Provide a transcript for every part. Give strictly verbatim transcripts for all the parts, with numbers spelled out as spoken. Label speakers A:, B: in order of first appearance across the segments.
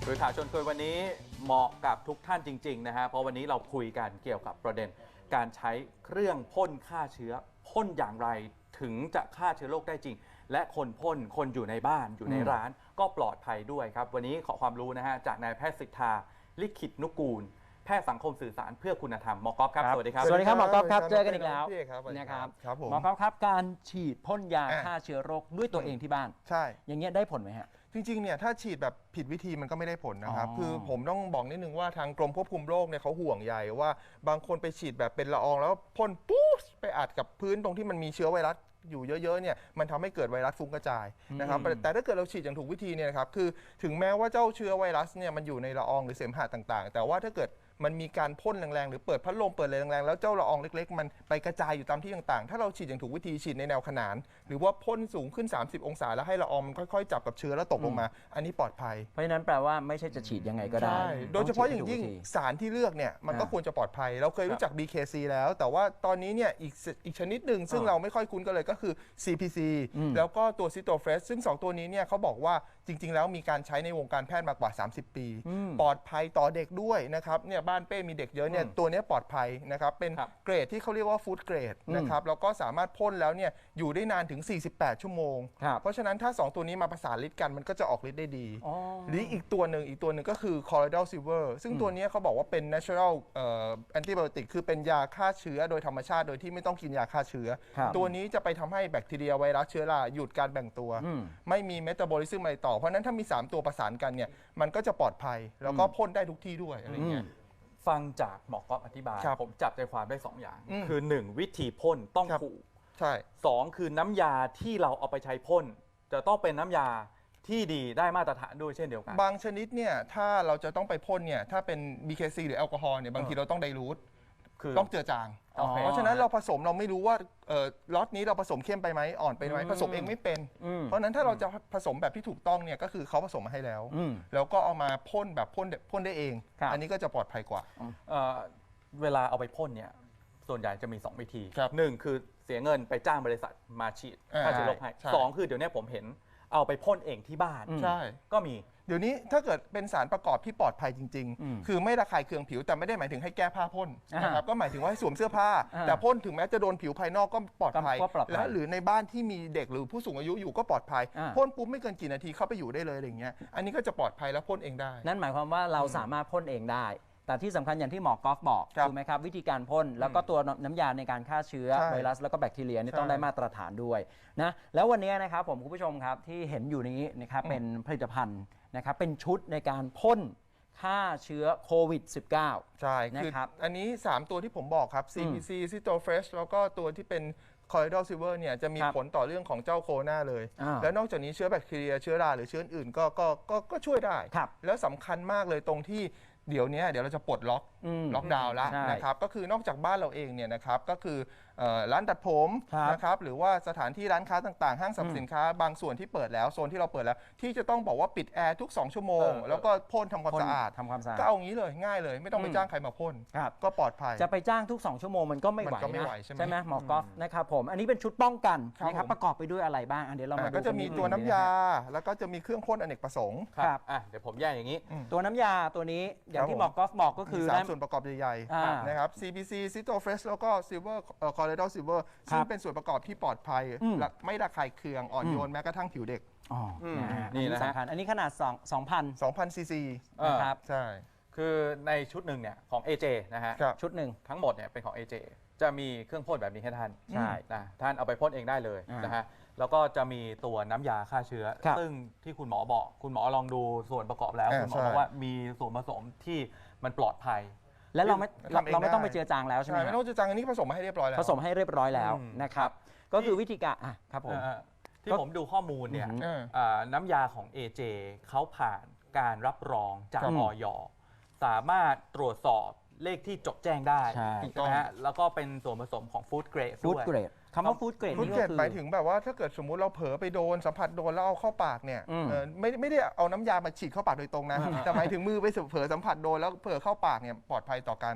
A: โดยข่าวชวนคุยวันนี้เหมาะกับทุกท่านจริงๆนะฮะเพราะวันนี้เราคุยกันเกี่ยวกับประเด็นการใช้เครื่องพ่นฆ่าเชื้อพ่นอย่างไรถึงจะฆ่าเชื้อโรคได้จริงและคนพ่นคนอยู่ในบ้านอยู่ในร้านก็ปลอดภัยด้วยครับวันนี้ขอความรู้นะฮะจากนายแพทย์สิทธาลิขิตนุกูลแพทย์สังคมสื่อสารเพื่อคุณธรรมหมอกอฟครับสวัสดีครับ
B: สวัสดีครับหมอกอฟครับเจอกันอีกแล้ว
C: นะครับ
B: หมอกอฟครับการฉีดพ่นยาฆ่าเชื้อโรคด้วยตัวเองที่บ้าน
C: ใช่
B: อย่างเงี้ยได้ผลไหมฮะ
C: จริงๆเนี่ยถ้าฉีดแบบผิดวิธีมันก็ไม่ได้ผลนะครับคือผมต้องบอกนิดนึงว่าทางกรมควบคุมโรคเนี่ยเขาห่วงใยว่าบางคนไปฉีดแบบเป็นละอองแล้วพ่นปุ๊บไปอัดกับพื้นตรงที่มันมีเชื้อไวรัสอยู่เยอะๆเนี่ยมันทำให้เกิดไวรัสฟุ้งกระจายนะครับแต่ถ้าเกิดเราฉีดอย่างถูกวิธีเนี่ยนะครับคือถึงแม้ว่าเจ้าเชื้อไวรัสเนี่ยมันอยู่ในละอองหรือเสมหะต่างๆแต่ว่าถ้าเกิดมันมีการพ่นแรงๆหรือเปิดพัดลมเปิดอะไรแรงๆแล้วเจ้าละอองเล็กๆมันไปกระจายอยู่ตามที่ต่างๆถ้าเราฉีดอย่างถูกวิธีฉีดในแนวขนานหรือว่าพ่นสูงขึ้นสามสิบองศาแล้วให้ละอองมันค่อยๆจับกับเชื้อแล้วตกลงมาอันนี้ปลอดภัย
B: เพราะฉะนั้นแปลว่าไม่ใช่จะฉีดยังไงก็ได้
C: โดยเฉพาะอย่างยิ่งสารที่เลือกเนี่ยมันก็ควรจะปลอดภัยเราเคยรู้จัก บี เค ซี แล้วแต่ว่าตอนนี้เนี่ยอีกอีกชนิดหนึ่งซึ่งเราไม่ค่อยคุ้นกันเลยก็คือ ซี พี ซี แล้วก็ตัวซิโตเฟสซึ่งสองตัวนี้เนี่ยเขาบอกว่าจริงๆแล้วมีการใช้ในวงการแพทย์มากว่าสามสิบปีปลอดภัยต่อเด็กด้วยนะครับเนี่ยบ้านเป้มีเด็กเยอะเนี่ยตัวนี้ปลอดภัยนะครับเป็นเกรดที่เขาเรียกว่าฟู้ดเกรดนะครับแล้วก็สามารถพ่นแล้วเนี่ยอยู่ได้นานถึงสี่สิบแปดชั่วโมงเพราะฉะนั้นถ้าสองตัวนี้มาประสานฤทธิ์กันมันก็จะออกฤทธิ์ได้ดีหรืออีกตัวหนึ่งอีกตัวหนึ่งก็คือ Colloidal Silver ซึ่งตัวนี้เขาบอกว่าเป็น natural antibiotic คือเป็นยาฆ่าเชื้อโดยธรรมชาติโดยที่ไม่ต้องกินยาฆ่าเชื้อตัวนี้จะไปทำให้แบคทีเรียไวรัสเชื้อราหยุดการแบ่งตัวไม่มีเมตาบอลิซึมอะไรต่อเพราะนั้นถ้ามีสามตัวประสานกันเนี่ยมันก็จะปลอดภัยแล้วก็พ่นได้ทุกที่ด้วยอะไรเงี้ย
A: ฟังจากหมอกอฟอธิบายผมจับใจความได้สองอย่างคือหนึ่งวิธีพ่นต้องถูก
C: ใช่
A: สองคือน้ำยาที่เราเอาไปใช้พ่นจะต้องเป็นน้ำยาที่ดีได้มาตรฐานด้วยเช่นเดียวกัน
C: บางชนิดเนี่ยถ้าเราจะต้องไปพ่นเนี่ยถ้าเป็น บี เค ซี หรือแอลกอฮอล์เนี่ยบางทีเราต้องไดรูทต้องเจือจางเพราะฉะนั้นเราผสมเราไม่รู้ว่าล็อตนี้เราผสมเข้มไปไหมอ่อนไปไหมผสมเองไม่เป็นเพราะฉะนั้นถ้าเราจะผสมแบบที่ถูกต้องเนี่ยก็คือเขาผสมมาให้แล้วแล้วก็เอามาพ่นแบบพ่นพ่นได้เองอันนี้ก็จะปลอดภัยกว่า
A: เวลาเอาไปพ่นเนี่ยส่วนใหญ่จะมีสองวิธีหนึ่งคือเสียเงินไปจ้างบริษัทมาฉีดฆ่าเชื้อโรคให้สองคือเดี๋ยวนี้ผมเห็นเอาไปพ่นเองที่บ้าน
C: ใช่
A: ก็มี
C: เดี๋ยวนี้ถ้าเกิดเป็นสารประกอบที่ปลอดภัยจริงๆคือไม่ระคายเคืองผิวแต่ไม่ได้หมายถึงให้แก้ผ้าพ่นนะครับก็หมายถึงว่าให้สวมเสื้อผ้าแต่พ่นถึงแม้จะโดนผิวภายนอกก็ปลอดภัยและหรือในบ้านที่มีเด็กหรือผู้สูงอายุอยู่ก็ปลอดภัยพ่นปุ๊บไม่เกินกี่นาทีเข้าไปอยู่ได้เลยอย่างเงี้ยอันนี้ก็จะปลอดภัยและพ่นเองได้
B: นั่นหมายความว่าเราสามารถพ่นเองได้แต่ที่สำคัญอย่างที่หมอกอฟบอกถูกไหมครับวิธีการพ่นแล้วก็ตัวน้ำยาในการฆ่าเชื้อไวรัสแล้วก็แบคทีเรียนี่ต้องได้มาตรฐานด้วยนะแล้ววันนี้นะครับผมคุณผู้ชมครับที่เห็นอยู่นี้นะครับเป็นผลิตภัณฑ์นะครับเป็นชุดในการพ่นฆ่าเชื้อโควิด สิบเก้า
C: ใช่นะครับอันนี้สามตัวที่ผมบอกครับ ซี พี ซี Cytofresh แล้วก็ตัวที่เป็น Colloidal Silver เนี่ยจะมีผลต่อเรื่องของเจ้าโคโรนาเลยแล้วนอกจากนี้เชื้อแบคทีเรียเชื้อราหรือเชื้ออื่นก็ก็ก็ก็ช่วยได้แล้วสำคัญมากเลยตรงที่เดี๋ยวนี้เดี๋ยวเราจะปลดล็อกล็อกดาวน์แล้วนะครับก็คือนอกจากบ้านเราเองเนี่ยนะครับก็คือร้านตัดผมนะครับหรือว่าสถานที่ร้านค้าต่างๆห้างสรรพสินค้าบางส่วนที่เปิดแล้วโซนที่เราเปิดแล้วที่จะต้องบอกว่าปิดแอร์ทุกสองชั่วโมงแล้วก็พ่นทำความสะอาดก็เอางี้เลยง่ายเลยไม่ต้องไปจ้างใครมาพ่นก็ปลอดภัย
B: จะไปจ้างทุกสองชั่วโมงมันก็ไม่ไหวนะใช่ไหมหมอกอฟนะครับผมอันนี้เป็นชุดป้องกันนะครับประกอบไปด้วยอะไรบ้างอันเดี๋ยวเรามาดู
C: ก็จะมีตัวน้ำยาแล้วก็จะมีเครื่องพ่นอเนกประสงค์
A: ครับเดี๋ยวผมแยกอย่างนี้
B: ตัวน้ำยาตัวนี้อย่างที่หมอกอฟบอกก็คือ
C: สามส่วนประกอบใหญ่ๆนะครับ ซี พี ซี Cytofresh แล้วก็ Silver Colloidal Silver ซึ่งเป็นส่วนประกอบที่ปลอดภัยไม่ระคายเคืองอ่อนโยนแม้กระทั่งผิวเด็ก
B: นี่นะฮะอันนี้ขนาดสองพัน
C: สองพัน ซีซี
B: นะครับ
C: ใช่
A: คือในชุดหนึ่งเนี่ยของ เอ เจ นะฮะชุดหนึ่งทั้งหมดเนี่ยเป็นของ เอ เจ จะมีเครื่องพ่นแบบนี้ให้ท่าน
B: ใช่
A: นะท่านเอาไปพ่นเองได้เลยนะฮะแล้วก็จะมีตัวน้ำยาฆ่าเชื้อซึ่งที่คุณหมอบอกคุณหมอลองดูส่วนประกอบแล้วคุณหมอบอกว่ามีส่วนผสมที่มันปลอดภัย
B: และเราไม่เราไม่ต้องไปเจือจางแล้วใช่ไหม
C: ไม่ต้องเจือจางอันนี้ผสมมาให้เรียบร้อยแล้ว
B: ผสมให้เรียบร้อยแล้วนะครับก็คือวิธีการอ่ะครับผม
A: ที่ผมดูข้อมูลเนี่ยน้ำยาของ เอ เจ เขาผ่านการรับรองจากอย.สามารถตรวจสอบเลขที่จดแจ้งได้ใช่ไหมฮะแล้วก็เป็นส่วนผสมของฟู้ดเกรดด้วย
B: คำว่าฟู้ดเกรด
C: นี่ก็คือหมายถึงแบบว่าถ้าเกิดสมมุติเราเผลอไปโดนสัมผัสโดนแล้วเอาเข้าปากเนี่ยไม่ไม่ได้เอาน้ำยามาฉีดเข้าปากโดยตรงนะแต่หมายถึงมือไปเผลอสัมผัสโดนแล้วเผลอเข้าปากเนี่ยปลอดภัยต่อการ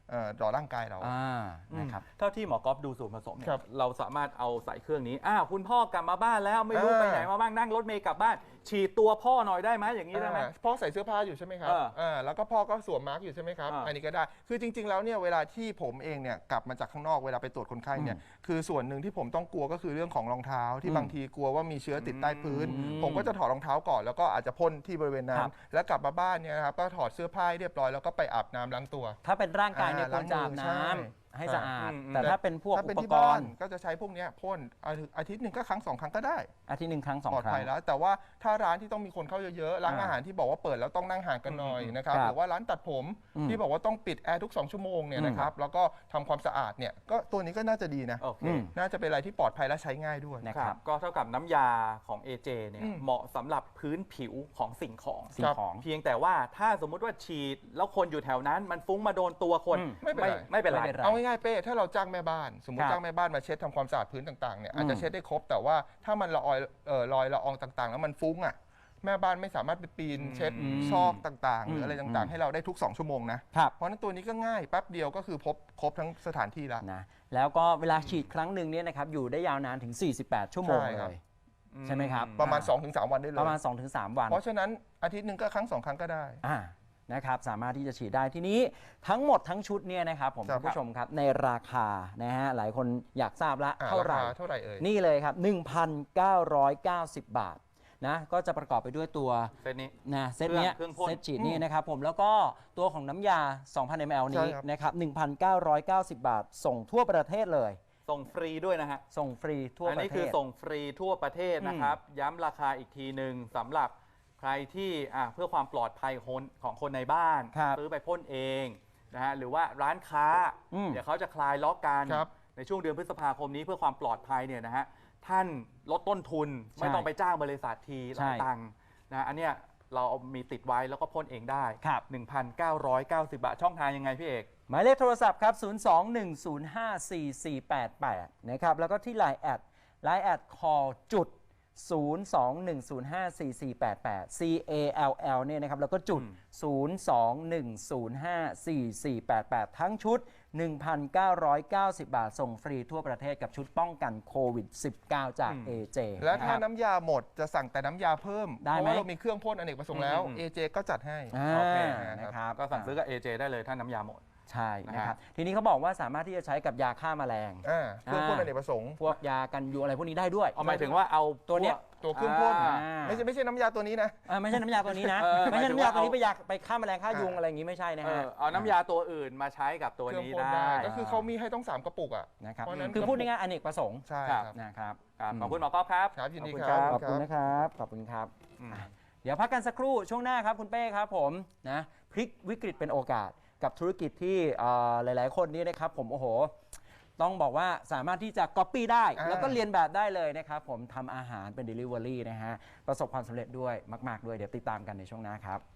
C: เอ่อต่อร่างกายเรา
B: อ่านะครับ
A: เท่าที่หมอกอฟดูส่วนผสมเนี่ย
C: ครับ
A: เราสามารถเอาใส่เครื่องนี้อ้าวคุณพ่อกลับมาบ้านแล้วไม่รู้
C: อ่า
A: ไปไหนมาบ้างนั่งรถเมล์กลับบ้านฉีดตัวพ่อหน่อยได้ไหมอย่างนี้ได้ไหม
C: อ่าพ่อใส่เสื้อผ้าอยู่ใช่ไหมครับ
A: เออ
C: อ่าแล้วก็พ่อก็สวมมาร์กอยู่ใช่ไหมครับ
A: อ่า
C: อันนี้ก็ได้คือจริง ๆแล้วเนี่ยเวลาที่ผมเองเนี่ยกลับมาจากข้างนอกเวลาไปตรวจคนไข้เนี่ยคือส่วนหนึ่งที่ผมต้องกลัวก็คือเรื่องของรองเท้าที่
B: อืม
C: บางทีกลัวว่ามีเชื้อติดใต้พื้น
B: อืม
C: ผมก็จะถอดรองเท้าก่อนแล้วก็อาจจะพ่นที่บริเวณนั้
B: ครั
C: น
B: บ
C: แล้วกลับมาบ้านเนี่ยนะครับก็ถอดเสื้อผ้าให้เรียบร้อยแล้วก็ไปอาบน้ำล้างตัว
B: ถ้าเป็นร่างกายเนี่ย
C: อ่า
B: ควรจะอาบ
C: ล้างมือ
B: น้ำ
C: ใช่
B: ให้สะอาด
A: อืม
B: แต่ถ้าเป็นพวก
C: ถ้า
B: อุ
C: เป็น
B: ป
C: ที่
B: ก
C: บ้าร น
B: ณ์
C: ก็จะใช้พวกเนี้ยพ่นอาทิตย์อาทิตย์หนึ่งก็ครั้งสองครั้งก็ได้
B: อาทิตย์หนึ่งครั้งสอง
C: ปลอด
B: ครั้
C: ภัย
B: ง
C: แล้วแต่ว่าถ้าร้านที่ต้องมีคนเข้าเยอะๆร้าน
B: อ่า
C: อาหารที่บอกว่าเปิดแล้วต้องนั่งห่างกันหน่อยนะครับ
B: ครับ
C: หรือว่าร้านตัดผม
B: อืม
C: ที่บอกว่าต้องปิดแอร์ทุกสองชั่วโมงเนี่ย
B: อืม
C: นะครับแล้วก็ทำความสะอาดเนี่ยก็ตัวนี้ก็น่าจะดีนะ
A: โอเค
B: อืม
C: น่าจะเป็นอะไรที่ปลอดภัยและใช้ง่ายด้วย
B: นะ
A: ค
B: ค
A: รั
B: รั
A: บบ ก็เท่ากับน้ำยาของ เอ เจ เนี่ย
C: อืม
A: เหมาะสำหรับพื้นผิวของสิ่งของ
B: สิ่งของ
A: เพียงแต่ว่าถ้าสมมุติว่าฉีดแล้วคนอยู่แถวนั้น มันฟุ้งมาโดนตัวคน
B: อืม
C: ไม่เป็นไร
A: ไม่เป็นไร
B: ไม่เป็นไร
C: เอาง่ายๆเป้ถ้าเราจ้างแม่บ้าน สมม
B: ค
C: ติ
B: รับ
C: จ้างแม่บ้านมาเช็ดทำความสะอาดพื้นต่างๆเนี่ยอาจ
B: อื
C: จะ
B: ม
C: เช็ดได้ครบ แต่ว่าถ้ามันละออยเอ่อลอยละอองต่างๆ แล้วมันฟุ้งอ่ะแม่บ้านไม่สามารถไปปีนเช็ด
B: อืม
C: ซอกต่างๆ หรืออะไร
B: อืม
C: ต่างๆ ให้เราได้ทุกสองชั่วโมงนะครับ เพราะฉะนั้นตัวนี้ก็ง่ายแป๊บเดียวก็คือพบครบทั้งสถานที่แล้ว
B: นะแล้วก็เวลาฉีดครั้งหนึ่งเนี่ยนะครับอยู่ได้ยาวนานถึง สี่สิบแปด ชั่วโมง
C: ใช่ค
B: เล
C: รับ
B: ย ใช่ไหมครับ
C: ประมาณ
B: อ่า
C: สองถึงสาม วันได้เลย
B: ประมาณ สองถึงสาม วัน
C: เพราะฉะนั้นอาทิตย์หนึ่งก็ครั้งสองครั้งก็ได้
B: อ่านะครับสามารถที่จะฉีดได้ทีนี้ทั้งหมดทั้งชุดเนี่ยนะครับผม
C: ครับ
B: คุณผู้ชมครับในราคานะฮะหลายคนอยากทราบละ
C: อ่า
B: เท่าไหร่
C: คเท่าไหร่เอ่ย
B: นี่เลยครับ หนึ่งพันเก้าร้อยเก้าสิบ บาทนะก็จะประกอบไปด้วยตัว
A: เซตนี้
B: นะเซตเนี้ย
A: เครื่องพ่น
B: เซตฉีดนี่นะครับผมแล้วก็ตัวของน้ำยา สองพัน มิลลิลิตร นี้
C: ใช่ครับ
B: นะครับ หนึ่งพันเก้าร้อยเก้าสิบ บาท ส่งทั่วประเทศเลย
A: ส่งฟรีด้วยนะฮะ
B: ส่งฟรีทั่ว
A: อัน
B: ประ
A: นี้
B: เท
A: คือ
B: ศ
A: ส่งฟรีทั่วประเทศนะครับ ย้ำราคาอีกทีหนึ่งสำหรับใครที่อ่ะเพื่อความปลอดภัยคนของคนในบ้าน
B: ครับ
A: ซื้อไปพ่นเองนะฮะหรือว่าร้านค้า
B: อืม
A: เดี๋ยวเขาจะคลายล็อกกัน
C: ครับ
A: ในช่วงเดือนพฤษภาคมนี้เพื่อความปลอดภัยเนี่ยนะฮะท่านลดต้นทุน
B: ใช่
A: ไม่ต้องไปจ้างบริษัททีหลาย
B: ใช่
A: ตังค์นะฮะอันเนี้ยเราเอามีติดไว้แล้วก็พ่นเองได้
B: ครับ
A: หนึ่งพันเก้าร้อยเก้าสิบ บาทช่องทางยังไงพี่เอก
B: หมายเลขโทรศัพท์ครับ ศูนย์ สอง หนึ่ง ศูนย์ ห้า สี่ สี่ แปด แปด นะครับ แล้วก็ที่ ไลน์ แอด ไลน์ แอด call จุด ศูนย์ สอง หนึ่ง ศูนย์ ห้า สี่ สี่ แปด แปด C A L L เนี่ยนะครับ แล้วก็จุด
A: อืม
B: ศูนย์ สอง หนึ่ง ศูนย์ ห้า สี่ สี่ แปด แปด ทั้งชุด หนึ่งพันเก้าร้อยเก้าสิบ บาท ส่งฟรีทั่วประเทศกับชุดป้องกันโควิด สิบเก้า จาก
A: อืม
B: เอ เจ
C: และ
B: นะค
C: ถ้า
B: รับ
C: น้ำยาหมดจะสั่งแต่น้ำยาเพิ่ม
B: ได้
C: เพราะ
B: ไหม
C: ว่าเรามีเครื่องพ่นอเนกประสงค์แล้ว
A: อืม
C: เอ เจ ก็จัดให้
B: อ่า
A: โอเค
B: นะครับ
A: ก็สั่งซื้อกับ เอ เจ ได้เลยถ้าน้ำยาหมด
B: ใช่นะค
A: นะ
B: รั
A: ฮะ
B: บ ทีนี้เขาบอกว่าสามารถที่จะใช้กับยาฆ่าแมลง
C: อ่าเครื่องพ่นอเนกประสงค์
B: พวกยากันยุงอะไรพวกนี้ได้ด้วย
A: เอาหมายถึงว่าเอา
B: ตัวเนี้ย
C: ตัวเครื่องพ่น
A: อ่า
C: ไม่ใช่ไม่ใช่น้ำยาตัวนี้นะ
B: อ่าไม่ใช่น้ำยาตัวนี้นะ
A: เออ
B: ไม่ใช่น้ำยาตัวนี้
A: หมายถึงว่าเอา
B: ไปยาไปฆ่าแมลงฆ่ายุง
C: อ่า
B: อะไรอย่างนี้ไม่ใช่นะ
A: เอ
B: ฮะ
A: อเอาน้ำยาตัวอื่นมาใช้กับตัว
C: เครื่อง
A: นี้
C: พ่น
A: ได้
C: ได้ก็คือเขามีให้ต้องสามกระปุกอ่ะ
B: นะครับ
C: เพราะฉะนั้น
B: คือพูดง่ายๆอเนกประสงค์
C: ใช่
A: ครับ
C: ครับ
B: นะครับ
A: ครับ
B: อืม
A: ขอบคุณหมอก๊อฟครับ
C: ครับยินดี
A: ขอบคุณ
C: ค
A: ครั
C: รับ บ
B: ขอบคุณนะครับขอบคุณครับ
A: อืม
B: อ่ะเดี๋ยวพักกันสักครู่ช่วงหน้าครับคุณเป้ครับผมนะพลิกวิกฤตเป็นโอกาสกับธุรกิจที่เอ่อหลาย ๆ คนนี้นะครับผมโอ้โหต้องบอกว่าสามารถที่จะ Copy ได้
C: อ่า
B: แล้วก็เรียนแบบได้เลยนะครับผมทำอาหารเป็น Delivery นะฮะประสบความสำเร็จด้วยมาก ๆ ด้วยเดี๋ยวติดตามกันในช่วงหน้าครับ